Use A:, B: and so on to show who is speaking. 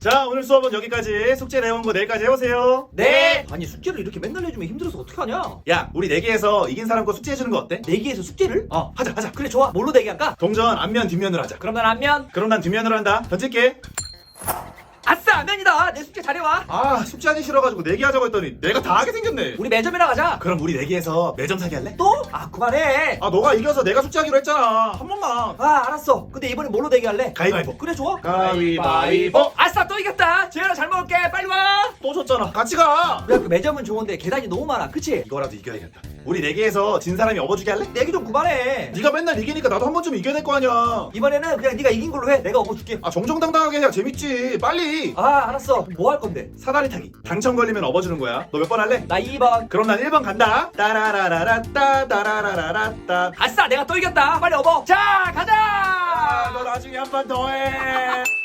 A: 자, 오늘 수업은 여기까지. 숙제 내온 거 내일까지 해오세요.
B: 네. 아니 숙제를 이렇게 맨날 해주면 힘들어서 어떡하냐?
A: 야, 우리 내기에서 이긴 사람 거 숙제 해주는 거 어때?
B: 내기에서 숙제를?
A: 하자.
B: 그래 좋아. 뭘로 내기할까?
A: 동전 앞면 뒷면으로 하자.
B: 그럼 난 앞면.
A: 그럼 난 뒷면으로 한다. 던질게.
B: 아싸 앞면이다. 내 숙제 잘해와.
A: 아, 숙제하기 싫어가지고 내기하자고 했더니 내가 다 하게 생겼네.
B: 우리 매점이나 가자.
A: 그럼 우리 내기에서 매점 사기 할래?
B: 또? 아 그만해.
A: 아, 너가 이겨서 내가 숙제하기로 했잖아. 한 번만.
B: 아 알았어. 근데 이번에 뭘로 내기할래?
A: 가위바위보.
B: 그래 좋아.
A: 가위바위보.
B: 아싸 또 이겼다. 재현아 잘 먹을게. 빨리 와.
A: 또 졌잖아. 같이 가.
B: 야 그 매점은 좋은데 계단이 너무 많아. 그치?
A: 이거라도 이겨야겠다. 우리 내기에서 진 사람이 업어주게 할래?
B: 내기 좀 그만해.
A: 네가 맨날 이기니까 나도 한 번쯤 이겨낼 거 아니야.
B: 이번에는 그냥 네가 이긴 걸로 해. 내가 업어줄게.
A: 아, 정정당당하게 해야 재밌지. 빨리.
B: 아 알았어. 뭐 할 건데?
A: 사다리 타기. 당첨 걸리면 업어주는 거야. 너 몇 번 할래?
B: 나 2번.
A: 그럼 난 1번 간다. 따라라라라따 따라라라라따.
B: 아싸 내가 또 이겼다. 빨리 업어. 자 가자.
A: 너 나중에 한 번 더 해.